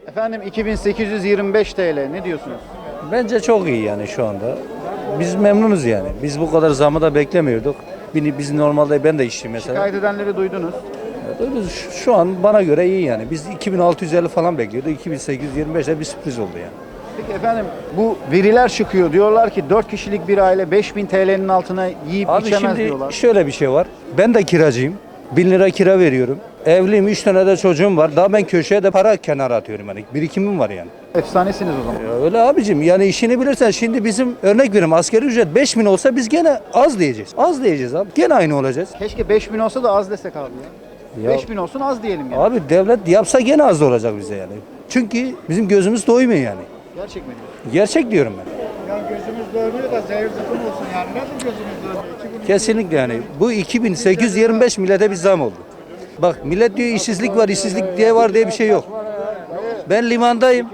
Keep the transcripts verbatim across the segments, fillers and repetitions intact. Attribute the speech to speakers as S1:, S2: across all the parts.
S1: Efendim iki bin sekiz yüz yirmi beş T L ne diyorsunuz?
S2: Bence çok iyi yani şu anda. Biz memnunuz yani. Biz bu kadar zamı da beklemiyorduk. Biz biz normalde ben de işçiyim mesela.
S1: Şikayet edenleri duydunuz.
S2: Duydunuz, Şu şu an bana göre iyi yani. Biz iki bin altı yüz elli falan bekliyorduk. iki bin sekiz yüz yirmi beşte bir sürpriz oldu yani.
S1: Peki efendim bu veriler çıkıyor. Diyorlar ki dört kişilik bir aile beş bin T L'nin altına yiyip
S2: Abi
S1: içemez
S2: şimdi
S1: diyorlar.
S2: şöyle bir şey var. Ben de kiracıyım. bin lira kira veriyorum. Evliyim, üç tane de çocuğum var. Daha ben köşeye de para kenara atıyorum yani. Birikimim var yani.
S1: Efsanesiniz o zaman.
S2: Ya öyle abicim yani işini bilirsen şimdi bizim örnek veriyorum asgari ücret beş bin olsa biz gene az diyeceğiz. Az diyeceğiz abi. Gene aynı olacağız.
S1: Keşke beş bin olsa da az desek abi ya.
S2: Ya-
S1: beş bin olsun az diyelim yani.
S2: Abi devlet yapsa gene az olacak bize yani. Çünkü bizim gözümüz doymuyor yani.
S1: Gerçek mi diyorsun?
S2: Gerçek diyorum ben.
S3: Yani gözümüz doymuyor da zehir zıkkım olsun yani. Nasıl gözümüz doymuyor? İki gün
S2: Kesinlikle yani. Bu iki bin sekiz yüz yirmi beş millete bir zam oldu. Bak millet diyor işsizlik var, işsizlik diye var diye bir şey yok. Ben limandayım.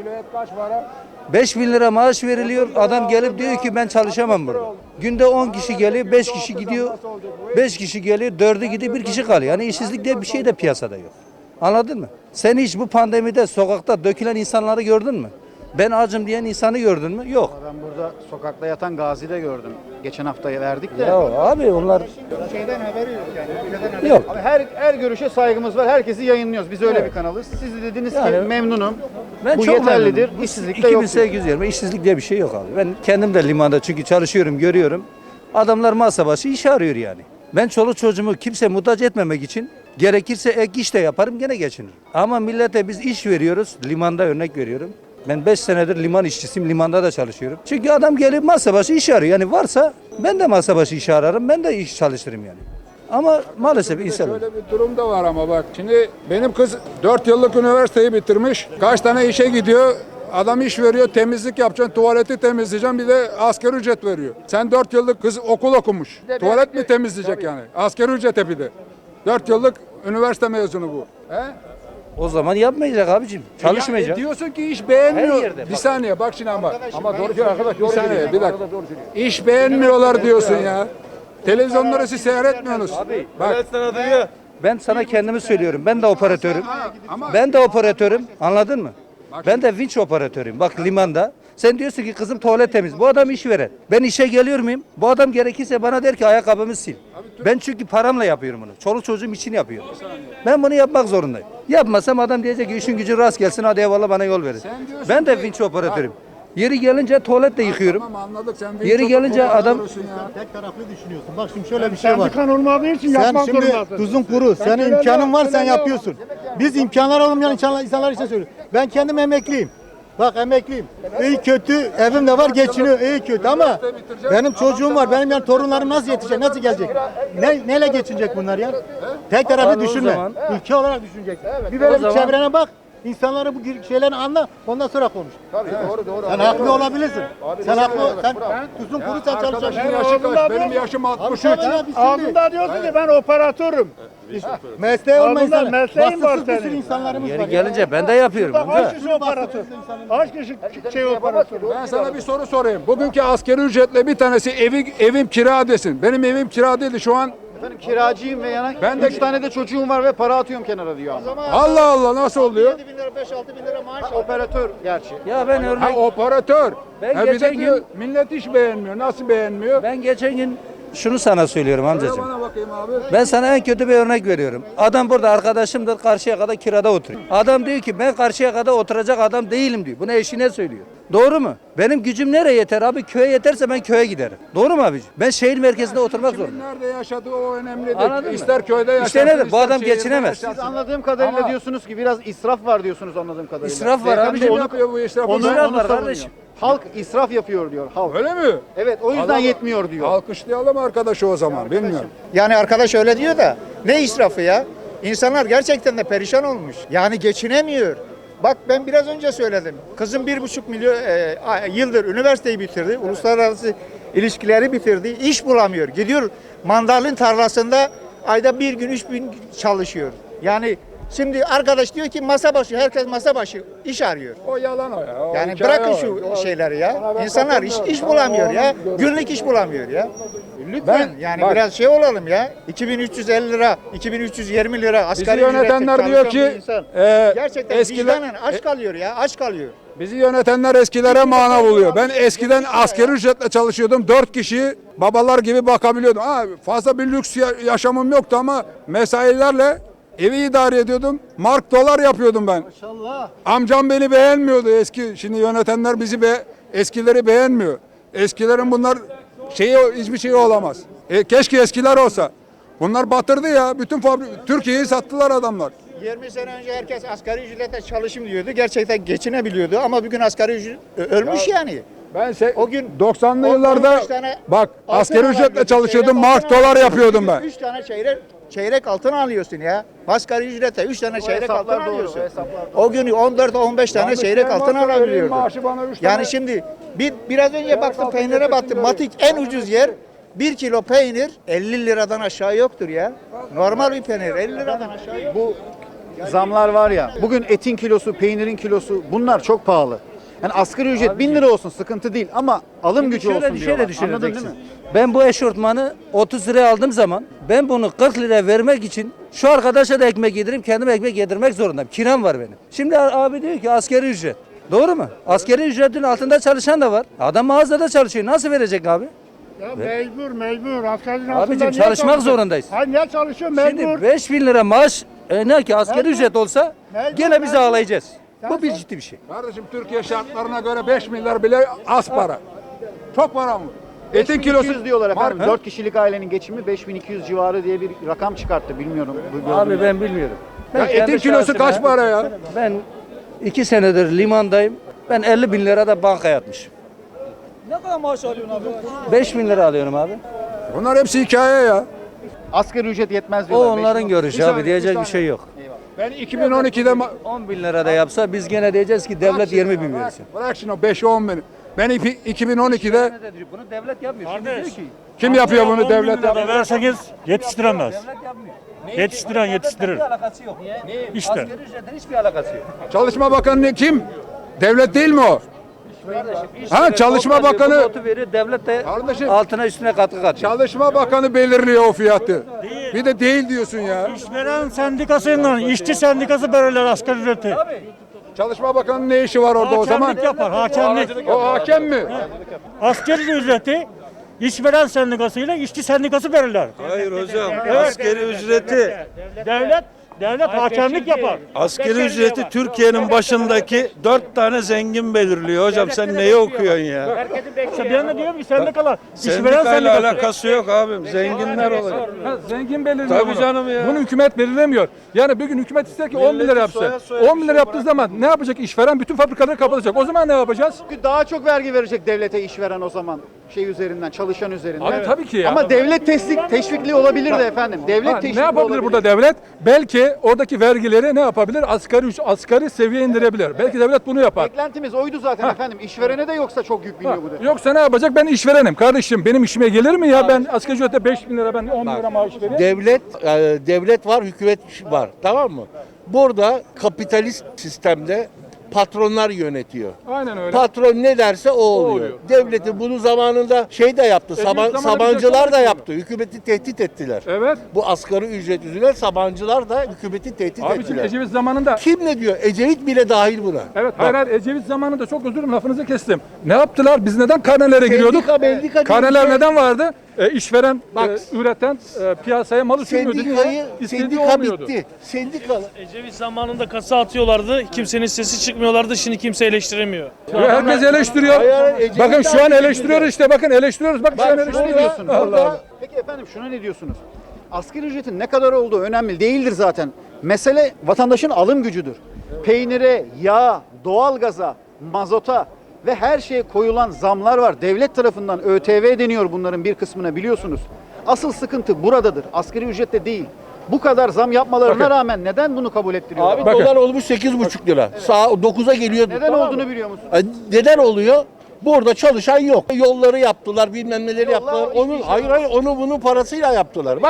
S2: beş bin lira maaş veriliyor. Adam gelip diyor ki ben çalışamam burada. Günde on kişi geliyor, beş kişi gidiyor. beş kişi geliyor, dördü gidiyor, bir kişi kalıyor. Yani işsizlik diye bir şey de piyasada yok. Anladın mı? Sen hiç bu pandemide sokakta dökülen insanları gördün mü? Ben acım diyen insanı gördün mü? Yok.
S1: Ben burada sokakta yatan Gazi de gördüm. Geçen hafta verdik de.
S2: Ya abi onlar
S3: şeyden haberi yok yani. Ülkeden haberi
S2: yok.
S1: Abi her her görüşe saygımız var. Herkesi yayınlıyoruz. Biz öyle
S2: Evet.
S1: bir kanalız. Siz de dediniz
S2: Yani-
S1: ki memnunum.
S2: Ben
S1: Bu
S2: çok
S1: yeterlidir.
S2: memnunum.
S1: İşsizlik de
S2: iki bin
S1: yok.
S2: sekiz yüz yirmi işsizlik diye bir şey yok abi. Ben kendim de limanda çünkü çalışıyorum, görüyorum. Adamlar masa başı iş arıyor yani. Ben çoluk çocuğumu kimse muhtaç etmemek için gerekirse ek iş de yaparım gene geçinirim. Ama millete biz iş veriyoruz. Limanda örnek veriyorum. Ben beş senedir liman işçisiyim. Limanda da çalışıyorum. Çünkü adam gelip masa başı iş arıyor. Yani varsa ben de masa başı iş ararım. Ben de iş çalıştırırım yani. Ama maalesef insan.
S4: Şöyle bir durum da var ama bak. Şimdi benim kız dört yıllık üniversiteyi bitirmiş. Kaç tane işe gidiyor. Adam iş veriyor, temizlik yapacaksın, tuvaleti temizleyeceksin, bir de asgari ücret veriyor. Sen dört yıllık kız okul okumuş. Tuvalet mi temizleyecek yani? Asgari ücrete bir de. dört yıllık üniversite mezunu bu. He?
S2: O zaman yapmayacak abicim. Çalışmayacak.
S4: Ya, e, diyorsun ki iş beğenmiyor.
S2: Her yerde
S4: Bir
S2: bak.
S4: saniye bak şimdi ama. Ama doğru söylüyor arkadaş. Bir saniye bir dakika. İş beğenmiyorlar diyorsun ya. Televizyonları siz seyretmiyorsunuz. Bak.
S2: Ben sana kendimi söylüyorum. Ben de operatörüm.
S4: Ha, ama
S2: Ben de operatörüm. Anladın mı? Ben de vinç operatörüyüm. Bak limanda. Sen diyorsun ki kızım tuvalet temiz. Bu adam iş veren. Ben işe geliyor muyum? Bu adam gerekirse bana der ki ayakkabımı sil. Ben çünkü paramla yapıyorum bunu. Çoluk çocuğum için yapıyorum. Ben bunu yapmak zorundayım. Yapmasam adam diyecek ki işin gücün rast gelsin hadi eyvallah bana yol verin.
S4: Sen diyorsun
S2: Ben de
S4: ki-
S2: vinç operatörüm. Yeri gelince tuvalet de yıkıyorum.
S4: Tamam anladık sen.
S2: Yeri
S4: çok
S2: gelince
S4: operatör
S2: adam-
S4: olursun ya.
S3: Tek taraflı düşünüyorsun. Bak şimdi şöyle bir şey var.
S5: Sendikan olmadığı için
S3: Sen
S5: yapmak
S3: şimdi
S5: zorundasın.
S3: tuzun kuru. Senin
S5: öyle
S3: imkanın var
S5: yap,
S3: sen
S5: öyle yap.
S3: yapıyorsun. Biz imkanlar olmayan insanlar, insanlar için söylüyorum. Ben kendim emekliyim. Bak emekliyim. İyi kötü evim de var geçiniyor iyi kötü ama benim çocuğum var. Benim yani torunlarım nasıl yetişecek? Nasıl gelecek? Ne, neyle geçinecek bunlar ya? Tek taraflı
S2: Abi o
S3: düşünme.
S2: zaman-
S3: Ülke olarak düşünecek. Bir böyle
S2: O
S3: bir
S2: zaman-
S3: çevrene bak. İnsanları bu şeyleri anla. Ondan sonra konuş.
S1: Tabii doğru doğru.
S3: Sen haklı olabilirsin. Sen haklı. Sen tuzun kuru sen
S4: Arkadaşın
S3: çalışacaksın.
S4: yaşı
S5: oğlum
S4: kaç?
S5: da
S4: Benim
S5: bu-
S4: yaşım
S3: Abi
S4: altmış üç.
S3: sen ya biz şimdi
S5: Ağzında diyorsun ki ben operatörüm.
S3: mesleği olmayan
S5: Ağzında
S3: insanlar.
S5: mesleğin var
S3: Vasıfsız bir sürü
S5: senin.
S3: insanlarımız var.
S2: Yeri
S3: ya.
S2: gelince ben de yapıyorum.
S5: Bak
S2: amca.
S5: kaç kişi operatör? Kaç kişi şey operatör?
S4: Ben sana bir soru sorayım. Bugünkü asgari ücretle bir tanesi evi, evim kira desin. Benim evim kira değildi şu an.
S1: Efendim kiracıyım ve yana
S4: Ben de-
S1: üç tane de çocuğum var ve para atıyorum kenara diyor ama.
S4: Allah Allah nasıl oluyor?
S3: yedi bin lira beş altı bin lira maaş.
S1: Operatör gerçi.
S2: Ya ben
S4: Ha
S2: örnek
S4: operatör.
S2: Ben
S4: ha, bir de
S2: geçen
S4: diyor,
S2: gün-
S4: millet iş beğenmiyor. Nasıl beğenmiyor?
S2: ben geçen gün şunu sana söylüyorum
S4: Söyle
S2: amcacığım.
S4: bana bakayım abi.
S2: Ben sana en kötü bir örnek veriyorum. Adam burada arkadaşımdır karşıya kadar kirada oturuyor. Adam diyor ki ben karşıya kadar oturacak adam değilim diyor. Bunu eşine söylüyor. Doğru mu? Benim gücüm nereye yeter abi? Köye yeterse ben köye giderim. Doğru mu abiciğim? Ben şehir merkezinde oturmak
S4: Kimin
S2: zorundayım.
S4: nerede yaşadığı o önemli değil.
S2: Anladın mı?
S4: İster köyde yaşasın.
S2: İşte nedir? Bu
S4: ister
S2: adam
S4: şehirde
S2: geçinemez.
S4: yaşasın.
S1: Siz anladığım kadarıyla
S4: Ama-
S1: diyorsunuz ki biraz israf var diyorsunuz anladığım kadarıyla.
S2: İsraf var
S1: Beyefendi
S2: abicim.
S4: Kim
S1: onu-
S4: yapıyor bu israfı?
S1: Onu,
S2: İsraf
S1: onu
S2: var
S1: savunuyor.
S2: kardeşim.
S1: Halk israf yapıyor diyor halk.
S4: Öyle mi?
S1: Evet o yüzden
S4: Allah-
S1: yetmiyor diyor.
S4: Alkışlayalım arkadaşı o zaman. Bilmiyorum.
S6: Yani arkadaş öyle diyor da ne israfı ya? İnsanlar gerçekten de perişan olmuş. Yani geçinemiyor. Bak ben biraz önce söyledim. Kızım bir buçuk milyon e, yıldır üniversiteyi bitirdi. Uluslararası ilişkileri bitirdi. İş bulamıyor. Gidiyor mandalin tarlasında ayda bir gün üç bin çalışıyor. Yani Şimdi arkadaş diyor ki masa başı, herkes masa başı iş arıyor.
S4: O yalan o ya. O
S6: Yani
S4: hikaye
S6: bırakın
S4: o.
S6: şu
S4: O-
S6: şeyleri ya.
S4: Ona ben
S6: İnsanlar iş, iş
S4: katılmıyorum.
S6: bulamıyor
S4: Onu-
S6: ya.
S4: onu-
S6: Günlük iş bulamıyor ya. Lütfen
S4: Ben-
S6: yani
S4: bak-
S6: biraz şey olalım ya. iki bin üç yüz elli lira, iki bin üç yüz yirmi lira
S4: Bizi
S6: asgari
S4: yönetenler
S6: ücretle
S4: diyor
S6: çalışan
S4: ki
S6: bir insan.
S4: e,
S6: gerçekten
S4: eskiler,
S6: vicdanen aç kalıyor ya, aç kalıyor.
S4: bizi yönetenler eskilere mana buluyor. Ben eskiden asgari ücretle çalışıyordum. Dört kişi babalar gibi bakabiliyordum. Ha, fazla bir lüks ya- yaşamım yoktu ama mesailerle evi idare ediyordum. Mark dolar yapıyordum ben.
S3: Maşallah.
S4: Amcam beni beğenmiyordu eski. Şimdi yönetenler bizi be, eskileri beğenmiyor. Eskilerin bunlar şeyi hiçbir şey olamaz. E, keşke eskiler olsa. Bunlar batırdı ya. Bütün fabri Türkiye'yi sattılar adamlar.
S6: yirmi sene önce herkes asgari ücretle çalışım diyordu. Gerçekten geçinebiliyordu ama bugün asgari ücret ö- ölmüş yani.
S4: Ben se-
S6: O gün
S4: doksanlı
S6: on-
S4: yıllarda
S6: on beş tane
S4: bak
S6: altın
S4: asgari ücretle
S6: alıyordun,
S4: çalışıyordum.
S6: çeyrek
S4: Mark
S6: altın
S4: dolar
S6: alıyordun.
S4: yapıyordum ben.
S6: üç tane çeyrek çeyrek altın alıyorsun ya. Asgari ücretle üç tane çeyrek altın
S1: hesaplar doğru,
S6: alıyorsun.
S1: o hesaplar
S6: O gün on dört on beş tane
S4: Yanlış
S6: çeyrek
S4: diyen
S6: altın
S4: varsa vereyim
S6: alabiliyordun.
S4: maaşı bana üç
S6: Yani
S4: tane.
S6: şimdi bir biraz önce baktım
S4: altın
S6: peynire
S4: getirsin
S6: baktım.
S4: dedim.
S6: Matik en ucuz yer bir kilo peynir elli liradan aşağı yoktur ya. Normal bir peynir elli liradan aşağı yok.
S1: Bu zamlar var ya. Bugün etin kilosu, peynirin kilosu bunlar çok pahalı. Yani asgari ücret bin lira olsun sıkıntı değil ama alım gücü
S2: Şöyle
S1: olsun
S2: bir şey
S1: diyorlar.
S2: de
S1: Anladın değil
S2: düşüneceksin.
S1: mi?
S2: Ben bu eşortmanı otuz liraya aldığım zaman ben bunu kırk liraya vermek için şu arkadaşa da ekmek yedireyim, kendime ekmek yedirmek zorundayım. Kiram var benim. Şimdi abi diyor ki askeri ücret. Doğru mu? Askeri ücretin altında çalışan da var. Adam mağazada çalışıyor. Nasıl verecek abi?
S5: Ya mecbur mecbur. Askerinin
S2: Abicim,
S5: altında niye
S2: çalışmak
S5: çalışıyor?
S2: zorundayız.
S5: Hayır niye çalışıyor mecbur?
S2: Şimdi beş bin lira maaş e, ne ki askeri
S5: Mecbur.
S2: ücret olsa
S5: Mecbur,
S2: gene biz
S5: mecbur.
S2: ağlayacağız.
S5: Sen
S2: Bu bir
S5: sor.
S2: ciddi bir şey.
S4: Kardeşim Türkiye şartlarına göre beş milyar bile az para. Çok para mı? Etin kilosu
S1: beş bin iki yüz diyorlar efendim.
S4: Mark-
S1: dört kişilik ailenin geçimi beş bin iki yüz civarı diye bir rakam çıkarttı. Bilmiyorum. bu gördün
S2: Abi
S1: mü?
S2: ben bilmiyorum. Ben
S4: Ya
S2: kendi
S4: etin kilosu
S2: şahsıma-
S4: kaç para ya?
S2: Ben iki senedir limandayım. Ben elli bin lira da bankaya atmışım.
S7: Ne kadar maaş alıyorsun abi?
S2: beş bin lira alıyorum abi.
S4: Bunlar hepsi hikaye ya.
S1: Asgari ücret yetmez
S2: O
S1: diyorlar.
S2: onların
S1: beş bin
S2: görüşü
S4: Bir
S2: abi.
S4: saniye,
S2: Diyecek
S4: bir
S2: bir şey yok.
S4: Ben iki bin on ikide ma-
S2: on bin lira da yapsa biz gene diyeceğiz ki devlet yirmi bin
S4: Bırak-
S2: versin.
S4: Bırak şimdi o beş on bin. Ben iki- iki bin on ikide
S2: Bunu devlet yapmıyor. Şimdi diyor ki
S4: kim yapıyor bunu devlet
S8: lira
S4: yapıyor?
S8: verseniz yetiştiremez.
S2: devlet yapmıyor.
S8: Yetiştiren yetiştirir.
S2: Bir alakası yok.
S8: İşte.
S2: Asgari ücretin hiçbir alakası yok.
S4: Çalışma Bakanı kim? Devlet değil mi o? Ha, Çalışma Bakanı-
S2: Bu notu veriyor, devlet de
S4: Kardeşim-
S2: altına üstüne katkı katıyor.
S4: Çalışma Bakanı belirliyor o fiyatı. Bir de değil diyorsun ya.
S8: İşveren sendikasıyla işçi sendikası belirler asgari ücreti.
S4: Çalışma Bakanı'nın ne işi var orada o zaman?
S8: Hakemlik yapar, hakemlik.
S4: O hakem mi?
S8: Asgari ücreti işveren sendikasıyla işçi sendikası belirler.
S9: Hayır hocam.
S8: Evet.
S9: Askeri ücreti
S8: Devlet devlet hakemlik yapar.
S9: askeri ücreti Türkiye'nin başındaki dört tane zengin belirliyor hocam. Sen neyi okuyorsun ya?
S8: İşte ben de diyorum ki sendikalar, işveren
S9: Sendikayla
S8: sendikası.
S9: alakası yok abim. Zenginler olacak.
S10: Ha, zengin belirliyor
S9: Tabii
S10: bunu.
S9: canım ya.
S10: Bunu hükümet belirlemiyor. Yani bir gün hükümet ister ki on bin lira
S9: Milletin
S10: yapsa.
S9: soya soya
S10: on bin
S9: bir
S10: lira
S9: şey
S10: yaptığı zaman ne yapacak işveren? Bütün fabrikaları kapatacak. O zaman ne yapacağız?
S1: Çünkü daha çok vergi verecek devlete işveren o zaman. Şey üzerinden, çalışan üzerinden.
S10: Abi tabii ki ya.
S1: Ama devlet teşvik, teşvikli olabilir de efendim. Devlet
S10: Ha,
S1: teşvikli
S10: ne yapabilir
S1: olabilir.
S10: burada devlet? Belki oradaki vergileri ne yapabilir? Asgari üc- asgari seviye indirebilir. Belki devlet bunu yapar.
S1: Beklentimiz oydu zaten efendim. İşverene de yoksa çok yük biniyor bu defa.
S10: Yoksa ne yapacak? Ben işverenim. Kardeşim benim işime gelir mi ya? Ben asgari ücrete beş bin lira, ben on bin lira maaş vereyim.
S11: Devlet e, devlet var, hükümet var. Tamam mı? Burada kapitalist sistemde patronlar yönetiyor.
S10: Aynen öyle.
S11: Patron ne derse o oluyor.
S10: oluyor.
S11: Devleti bunu zamanında şey de yaptı.
S10: Ecevit
S11: Saban,
S10: zamanında
S11: Sabancılar
S10: bize
S11: da
S10: çok
S11: yaptı. Hükümeti tehdit ettiler.
S10: Evet.
S11: Bu asgari ücret yüzünden Sabancılar da hükümeti tehdit
S10: Abi şimdi
S11: ettiler.
S10: Ecevit zamanında
S11: Kim ne diyor? Ecevit bile dahil buna.
S10: Evet, hayır, hayır, Ecevit zamanında çok özür dilerim lafınızı kestim. Ne yaptılar? Biz neden karnelere giriyorduk?
S11: Sendika, mendika diye
S10: Karneler
S11: bir şey-
S10: neden vardı? E, işveren,
S11: Bak,
S10: e, üreten, e, piyasaya malı sürmüyordu.
S11: Sendikayı,
S10: Niye? İstediği
S11: sendika
S10: olmuyordu.
S11: bitti. Sendika
S7: Ecevit zamanında kasa atıyorlardı. Kimsenin sesi çıkmıyorlardı. Şimdi kimse eleştiremiyor.
S10: Ve herkes eleştiriyor.
S11: Hayır, hayır, Ecevit
S10: Bakın şu an
S11: abi
S10: eleştiriyoruz işte. Bakın eleştiriyoruz. Bak, şu an
S11: Bak, şunu
S10: eleştiriyoruz.
S11: diyorsun.
S10: Allah Allah.
S1: Peki efendim şuna ne diyorsunuz? Asgari ücretin ne kadar olduğu önemli değildir zaten. Mesele vatandaşın alım gücüdür. Peynire, yağa, doğalgaza, mazota ve her şeye koyulan zamlar var. Devlet tarafından ÖTV deniyor bunların bir kısmına biliyorsunuz. Asıl sıkıntı buradadır. Asgari ücrette değil. Bu kadar zam yapmalarına
S10: Bakın.
S1: rağmen neden bunu kabul ettiriyorlar?
S11: Abi
S10: Bakın.
S11: dolar olmuş sekiz buçuk lira. Sağ dokuza geliyordu.
S1: Neden
S11: tamam mı?
S1: olduğunu biliyor musun?
S11: E, Neden oluyor? Burada çalışan yok. Yolları yaptılar, bilmem neleri
S1: Yollar
S11: yaptılar.
S1: o
S11: Onun
S1: hiçbir şey
S11: hayır
S1: yok.
S11: hayır onu bunun parasıyla yaptılar. Bak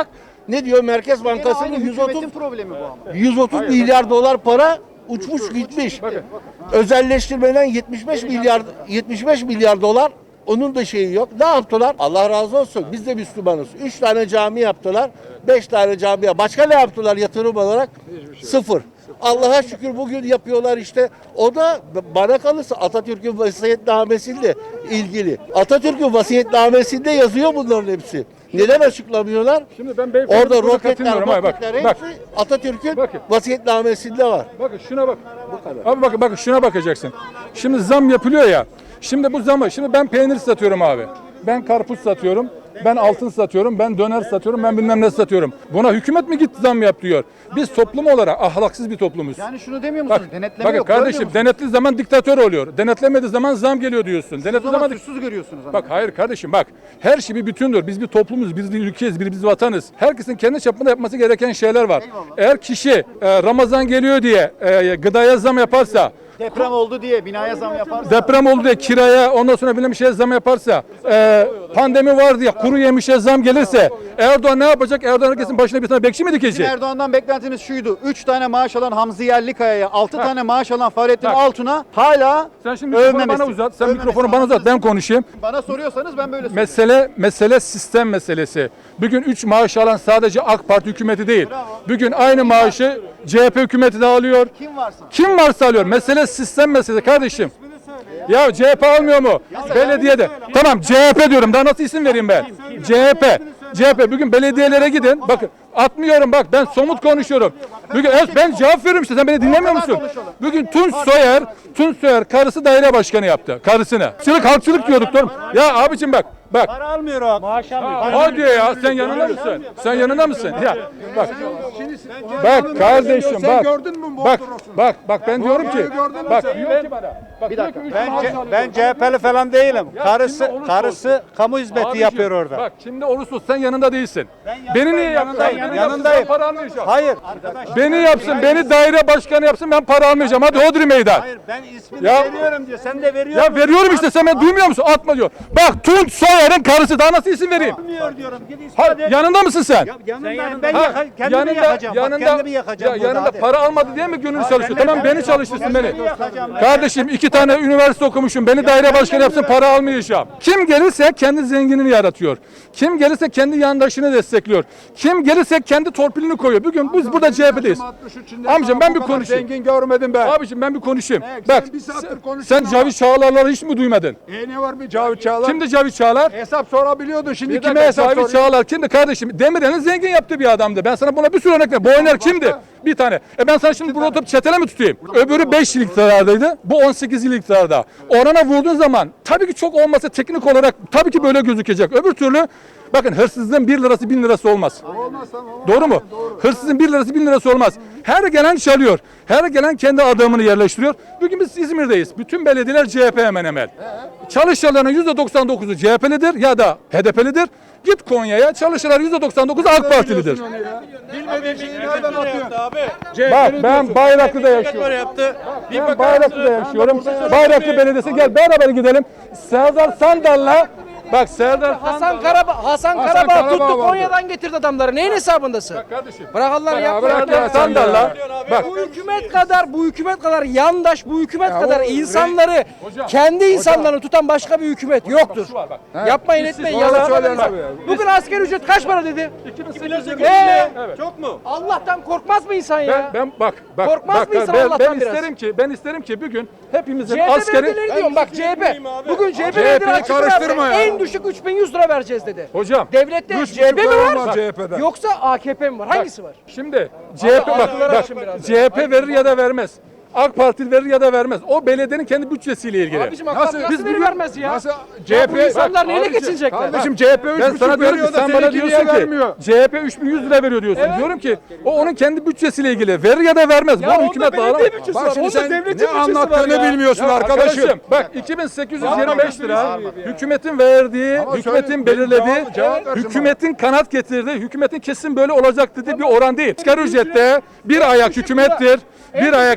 S11: Ne diyor Merkez
S1: Gene
S11: Bankası'nın
S1: aynı
S11: yüz otuz
S1: hükümetin problemi bu ama.
S11: yüz otuz milyar dolar para uçmuş gitmiş. Özelleştirmeden yetmiş beş milyar yetmiş beş milyar dolar, onun da şeyi yok. Ne yaptılar? Allah razı olsun. Biz de Müslümanız. Üç tane cami yaptılar. Beş tane camiye. Başka ne yaptılar yatırım olarak? Sıfır. Allah'a şükür bugün yapıyorlar işte. O da bana kalırsa Atatürk'ün vasiyetnamesiyle ilgili. Atatürk'ün vasiyetnamesinde yazıyor bunların hepsi. Neden açıklamıyorlar?
S10: Şimdi ben beyefendi
S11: Orada
S10: burada
S11: roketler,
S10: katılmıyorum. Hayır, bak,
S11: roketler
S10: bak.
S11: hepsi Atatürk'ün
S10: Bakın.
S11: vasiyetnamesinde var.
S10: Bakın şuna bak. Abi bakın bakın şuna bakacaksın. Şimdi zam yapılıyor ya. Şimdi bu zamı, şimdi ben peynir satıyorum abi. Ben karpuz satıyorum. Ben altın satıyorum, ben döner satıyorum, ben bilmem ne satıyorum. Buna hükümet mi gitti zam yap diyor. Biz toplum olarak ahlaksız bir toplumuz.
S1: Yani şunu demiyor musunuz?
S10: Bak,
S1: Denetleme
S10: bakın
S1: yok.
S10: kardeşim,
S1: görmüyor musunuz?
S10: denetli zaman diktatör oluyor. Denetlemediği zaman zam geliyor diyorsun.
S1: O
S10: Denetli
S1: zaman
S10: zaman
S1: suçsuz görüyorsunuz.
S10: Bak hayır kardeşim bak. Her şey bir bütündür. Biz bir toplumuz, biz bir ülkeyiz, biz bir vatanız. Herkesin kendi çapında yapması gereken şeyler var.
S1: Eyvallah.
S10: Eğer kişi e, Ramazan geliyor diye e, gıdaya zam yaparsa,
S1: Deprem oldu diye binaya zam yaparsa.
S10: deprem oldu diye kiraya, ondan sonra bilmem bir şeye zam yaparsa, e, pandemi var diye kuru yemişe zam gelirse, Erdoğan ne yapacak? Erdoğan herkesin başına bir tane bekçi mi
S1: Bizim
S10: dikecek?
S1: Erdoğan'dan beklentimiz şuydu. üç tane maaş alan Hamzi Yerlikaya'ya, altı
S10: Bak.
S1: tane maaş alan Fahrettin
S10: Bak.
S1: Altun'a hala
S10: Sen şimdi mikrofonu
S1: övmemesi.
S10: bana uzat, sen
S1: Övmemesi.
S10: mikrofonu bana uzat, ben konuşayım.
S1: Bana soruyorsanız ben böyle söylüyorum.
S10: Mesele mesele sistem meselesi. Bugün üç maaş alan sadece AK Parti hükümeti değil. Bugün aynı maaşı C H P hükümeti de alıyor.
S1: Kim varsa.
S10: Kim varsa alıyor. Mesele sistem meselesi kardeşim. Ya C H P almıyor mu? Belediyede. Tamam C H P diyorum. Daha nasıl isim vereyim ben? C H P. C H P. Bugün belediyelere gidin. Bakın atmıyorum bak ben somut konuşuyorum. Bugün evet, ben cevap veriyorum işte sen beni dinlemiyor musun? Bugün Tunç Soyer, Tunç Soyer karısı daire başkanı yaptı. Karısını. Halkçılık halkçılık diyorduk diyorum. Ya abicim bak. Bak.
S8: Para almıyor o. Maaş almıyor.
S10: Hadi ya sen yanında mısın? Sen yanında mısın? Ya bak. Bak kardeşim bak. Bak bak bak ben diyorum ki bak diyor ki bana. Bak
S1: Bir dakika.
S10: diyor ki, üç
S8: Ben,
S10: maaş
S8: C-
S10: alıyor.
S8: ben C H P'li falan değilim.
S10: Ya
S8: Karısı
S10: şimdi olursa
S8: karısı
S10: olsun.
S8: kamu hizmeti
S10: Abiciğim,
S8: yapıyor orada.
S10: Bak şimdi olursa olsun, sen yanında değilsin. Beni niye yapsın?
S8: yanındayım,
S10: Beni
S8: yanındayım.
S10: yapsın, ben para almayacağım.
S8: Hayır.
S10: Beni yapsın, beni daire başkanı yapsın, ben para almayacağım. Hadi Hodri meydan.
S8: Hayır ben ismini
S10: Ya-
S8: veriyorum diyor. Sen de veriyorsun.
S10: Ya veriyorum işte, sen beni duymuyor musun? Atma diyor. Bak Tunç Soyer'in karısı, daha nasıl isim vereyim?
S8: Vermiyor diyorum. Git ispat
S10: Ha,
S8: et.
S10: yanında mısın sen?
S8: Ya yanındayım. Ben
S10: Ha,
S8: yaka, kendimi yakacağım. Bak, kendimi yakacağım
S10: ya
S8: burada.
S10: yanında
S8: hadi.
S10: para almadı diye mi gönül çalıştı? Tamam
S8: kendimi
S10: beni çalıştırsın beni.
S8: kendimi yakacağım.
S10: Kardeşim iki tane üniversite okumuşum. Beni daire başkanı yapsın, para almayacağım. Kim gelirse kendi zenginini yaratıyor. Kim gelirse kendi yandaşını destekliyor. Kim gelirse kendi torpilini koyuyor. Bugün biz burada C H P'deyiz. Amcam ben bir konuşayım.
S4: Zengin görmedim ben.
S10: Abiciğim ben bir konuşayım.
S4: Evet,
S10: Bak
S4: sen bir saattir
S10: sen,
S4: konuşuyorsun
S10: sen Cavit Çağlar'ları hiç mi duymadın?
S4: E ne var bir Cavit Çağlar?
S10: Kimdi Cavit Çağlar?
S4: Hesap sorabiliyordun şimdi
S10: Bir
S4: kime
S10: dakika,
S4: hesap
S10: Cavit
S4: soruyorsun?
S10: Çağlar kimdi kardeşim? Demirel'in zengin yaptığı bir adamdı. Ben sana buna bir sürü örnek vereyim. Boyner kimdi? Bir tane. E ben sana şimdi burada oturup çetele mi tutayım? Öbürü beş yıl iktidardaydı. Bu on sekiz yıl iktidarda. Orana vurduğun zaman tabii ki çok olmasa teknik olarak tabii ki böyle gözükecek. Öbür türlü bakın hırsızlığın bir lirası bin lirası olmaz.
S4: Olmaz tamam.
S10: Doğru mu? Hırsızın bir lirası bin lirası olmaz. Her gelen çalıyor. Her gelen kendi adamını yerleştiriyor. Bugün biz İzmir'deyiz. Bütün belediyeler C H P hemen hemen. Çalışanların yüzde doksan dokuzu C H P'lidir ya da H D P'lidir. Git Konya'ya, çalışanlar yüzde doksan dokuzu AK Partilidir.
S4: Bilmediğin şeyi nereden atıyorsun?
S10: Bak ben Bayraklı'da yaşıyorum. Ben Bayraklı'da yaşıyorum. Bayraklı Belediyesi, gel beraber gidelim. Serdar Sandal'la bak Serdar
S12: Hasan Karabağ, Hasan
S4: Hasan
S12: Karabağ
S4: Karabağ
S12: tuttu
S4: vardı.
S12: Konya'dan getirdi adamları. Neyin hesabındasın?
S10: kardeşim.
S12: Bırak Allah'ını
S10: Ya
S12: yapma.
S10: bırak
S12: ya.
S10: ya Sandal'la. Bak
S12: Bu hükümet kadar, bu hükümet kadar yandaş, bu hükümet
S4: Ya
S12: kadar
S4: o-
S12: insanları,
S10: Hocam,
S12: kendi insanlarını tutan başka bir hükümet yoktur.
S10: şu var bak.
S12: Yapmayın etmeyin
S4: Doğru
S12: yalan.
S4: söylüyorsun abi ya.
S12: Bugün asgari ücret kaç para dedi?
S10: iki bin sekiz
S12: Ee,
S10: Evet.
S12: Çok mu? Allah'tan korkmaz mı insan
S10: Ben,
S12: ya?
S10: ben bak bak
S12: Korkmaz
S10: bak,
S12: mı insan
S10: ben,
S12: Allah'tan
S10: ben
S12: biraz?
S10: isterim ki ben isterim ki bugün hepimizin
S12: C H P
S10: askeri
S12: belediyeleri diyorum bak C H P. Bugün C H P
S4: C H P'yi
S12: belediyeleri açık
S4: karıştırma
S12: verdi.
S4: ya.
S12: En düşük üç bin yüz lira vereceğiz dedi.
S10: hocam.
S12: Devlette
S4: Üç
S12: C H P mi
S4: buçuk lira
S12: var?
S4: var C H P'den.
S12: Yoksa A K P mi var? Hangisi var?
S10: Şimdi C H P bak,
S12: akılları
S10: bak
S12: açın biraz.
S10: C H P verir ya da vermez. AK Parti verir ya da vermez. O belediyenin kendi bütçesiyle ilgili.
S12: Abicim AK
S4: Nasıl-
S12: Parti
S10: biz
S12: nasıl veri
S10: bugün-
S12: vermez ya?
S4: Nasıl
S12: Ya
S4: C H
S12: bu
S4: P
S12: insanlar neyle
S10: abicim,
S12: geçinecekler?
S4: Kardeşim C H P üç
S10: Ben sana
S4: buçuk
S10: diyorum
S4: veriyor
S10: ki
S4: da
S10: sen bana
S4: seninki
S10: diyorsun
S4: niye
S10: ki
S4: vermiyor?
S10: C H P üç bin yüz lira veriyor diyorsun. Diyorum ki o onun kendi bütçesiyle ilgili. Verir ya da vermez.
S12: Ya
S10: Bu
S12: onda
S10: hükümet
S12: belediye
S10: bağlamaz.
S12: bütçesi
S4: Bak
S12: var.
S4: şimdi
S12: Onda
S4: sen
S12: devletin
S4: ne
S12: bütçesi var
S4: anlattığını
S12: ya.
S4: bilmiyorsun arkadaşım.
S10: Bak iki bin sekiz yüz yirmi beş lira hükümetin verdiği,
S4: Ama
S10: hükümetin
S4: söyle-
S10: belirlediği,
S4: Cevap- cevap versin
S10: hükümetin kanat getirdiği, hükümetin kesin böyle olacak dediği bir oran değil. Asgari ücrette bir ayak hükümettir. Bir ayak Türk İş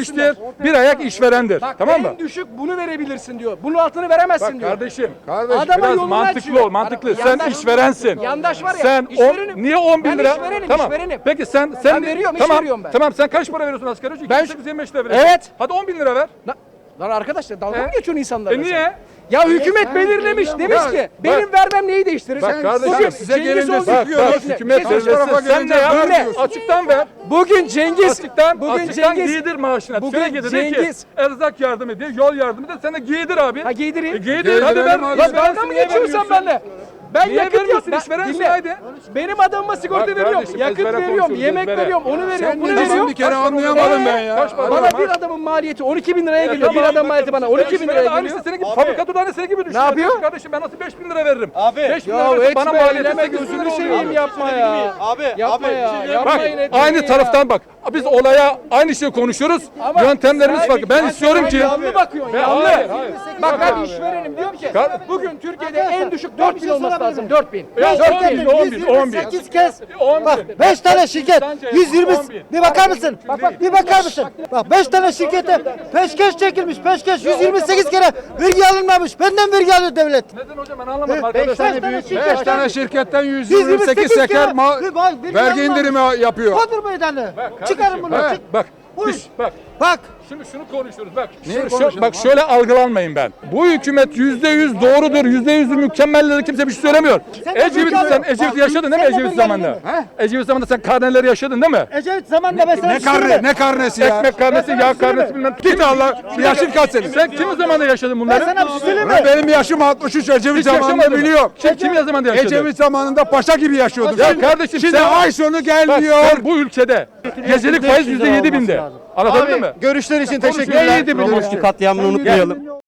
S10: işçidir, bir ayak işverendir.
S12: Bak
S10: Tamam mı?
S12: en düşük bunu verebilirsin diyor. Bunun altını veremezsin
S10: Bak
S12: diyor.
S10: kardeşim,
S12: Adama
S10: biraz
S12: yolunu
S10: mantıklı
S12: açıyor.
S10: ol, mantıklı.
S12: Adam-
S10: Sen
S12: yandaş-
S10: işverensin.
S12: yandaş var ya,
S10: Sen
S12: işverenim.
S10: on, niye on bin
S12: Ben
S10: lira?
S12: işverenim,
S10: tamam.
S12: işverenim.
S10: Peki sen sen
S12: Ben veriyorum, iş
S10: tamam,
S12: veriyorum ben.
S10: Tamam sen kaç para veriyorsun asgari ücret?
S12: Ben-
S10: iki bin sekiz yüz yirmi beş lira veriyorsun.
S12: Evet.
S10: Hadi on bin lira ver.
S12: La- Lan arkadaşlar dalga
S10: E?
S12: mı geçiyorsun insanlarla?
S10: E
S12: sen?
S10: niye?
S12: Ya hükümet belirlemiş demiş
S10: Ya,
S12: ki
S10: bak-
S12: benim vermem neyi değiştirir?
S10: Bak kardeşim
S12: Bugün
S10: size
S12: Cengiz
S10: gelince
S12: Oğuz-
S10: bak,
S12: Bekle,
S10: bak
S12: bekle.
S10: hükümet
S12: Bir şey
S10: belirlesin.
S12: söyleyeceğim.
S10: Sen ne yap?
S12: Dinle.
S10: Açıktan ver.
S12: Bugün Cengiz
S10: Açıktan,
S12: bugün
S10: açıktan
S12: Cengiz
S10: giydir maaşına.
S12: bugün
S10: Sürekli de de ki
S12: Cengiz-
S10: erzak yardımı diye, yol yardımı de sen de giydir abi.
S12: Ha giydireyim.
S10: E giydir hadi ver.
S12: Lan dalga mı geçiyorsun benimle? Ben
S10: Niye
S12: yakıt
S10: vermiyorsun?
S12: yap-
S10: İşverensin,
S12: dinle.
S10: haydi.
S12: Benim adamıma sigorta
S10: Bak
S12: veriyorum,
S10: kardeşim,
S12: yakıt
S10: ezbere
S12: veriyorum,
S10: konuşuyoruz,
S12: yemek
S10: ezbere.
S12: veriyorum, onu veriyorum, bunu
S4: ne diyorsun
S12: veriyorum.
S4: bir kere
S10: Kaç para
S4: anlayamadım
S12: Ee,
S4: ben ya.
S10: Kaç para
S12: Bana
S10: var?
S12: bir adamın maliyeti on iki bin liraya
S10: E,
S12: geliyor. Bir
S10: tamam.
S12: adam maliyeti bana on iki bin
S10: İşveren
S12: liraya
S10: de aynısı
S12: geliyor.
S10: senin gibi fabrika durağını gibi düşün.
S12: yapıyor?
S10: Kardeşim ben nasıl beş bin lira veririm?
S1: Abi.
S10: beş bin
S12: Ya
S10: lira verse bana
S12: etme,
S10: maliyeti
S12: eyleme,
S10: sekiz bin lira
S12: gözünü
S10: oluyor
S12: seveyim
S10: abi.
S12: yapma ya.
S1: Abi,
S12: Yapma
S1: abi,
S12: ya,
S1: bir şey
S12: yapmayın
S10: Bak
S12: etmeyin
S10: aynı
S12: ya.
S10: taraftan bak. Biz olaya aynı şeyi konuşuyoruz.
S12: Ama
S10: Yöntemlerimiz
S12: sen-
S10: farklı. Ben
S12: sen
S10: istiyorum ki
S12: yanlı bakıyorsun,
S10: Ve-
S12: yanlı.
S10: hayır, hayır.
S12: Bak ben işverenim diyorum ki
S10: Kar-
S12: bugün Türkiye'de en düşük dört bin olması lazım. dört bin.
S10: Ya
S12: dört
S10: on bin, on bin, on bin.
S3: sekiz kez.
S10: on bin.
S3: Bak beş tane şirket
S10: Sence
S3: yüz yirmi
S10: on bin.
S3: bir bakar mısın? Bak bak bir bakar mısın? Bak beş tane şirkete peşkeş çekilmiş. Peşkeş yüz yirmi sekiz kere vergi alınmamış. Benden vergi alıyor devlet.
S10: Neden hocam ben anlamadım
S3: Beş
S10: arkadaşlar.
S3: tane büyük
S4: Beş tane şirketten yüz
S3: yüz
S4: yirmi
S3: yirmi
S4: sekiz
S3: sekiz
S4: seker
S3: kere
S4: ma-
S3: bir bak, vergi
S4: vergi
S3: alınmamış.
S4: indirimi yapıyor.
S3: Kodur meydanı. Çıkarın bunu.
S10: Bak,
S3: Çık.
S10: bak,
S3: Buyur.
S10: Düş, bak.
S3: Bak.
S10: Şimdi şunu konuşuyoruz bak.
S4: Neyi
S10: Şöyle-
S4: konuşuyoruz
S10: bak şöyle algılanmayın ben. Bu hükümet yüzde yüz doğrudur, yüzde yüz mükemmeldir kimse bir şey söylemiyor.
S3: Sen de
S10: Ecevit
S3: vergi
S10: sen
S3: alıyorsun.
S10: Ecevit yaşadın değil mi
S3: Sen de
S10: Ecevit
S3: vergi
S10: zamanında?
S3: alıyorsun.
S10: Ecevit zamanında sen karneleri yaşadın değil mi?
S3: Ecevit zamanında ben sana
S4: Ne karne, ne karnesi ya?
S10: Ekmek karnesi, yağ karnesi bilmem.
S4: Git Allah. Yaşın kaç senin?
S10: Sen kimin zamanında yaşadın
S3: Ben
S10: bunları?
S3: sana bir şey söyleyeyim mi?
S4: Ulan benim yaşım altmış üç. Ecevit
S10: Hiç
S4: zamanında
S10: yaşamadın mı?
S4: biliyorum.
S10: Kim, kim zamanında yaşadın?
S4: Ecevit zamanında paşa gibi yaşıyorduk.
S10: Ya kardeşim
S4: Şimdi
S10: sen-
S4: ay sonu
S10: Bak
S4: gelmiyor.
S10: sen bu ülkede gecelik faiz yüzde yedi binde. Anlatabildim mi?
S1: Görüşler için
S10: Konuşuyor.
S1: teşekkürler.
S10: Neydi bu?
S1: Görüşürüz.
S11: katliamını unutmayalım.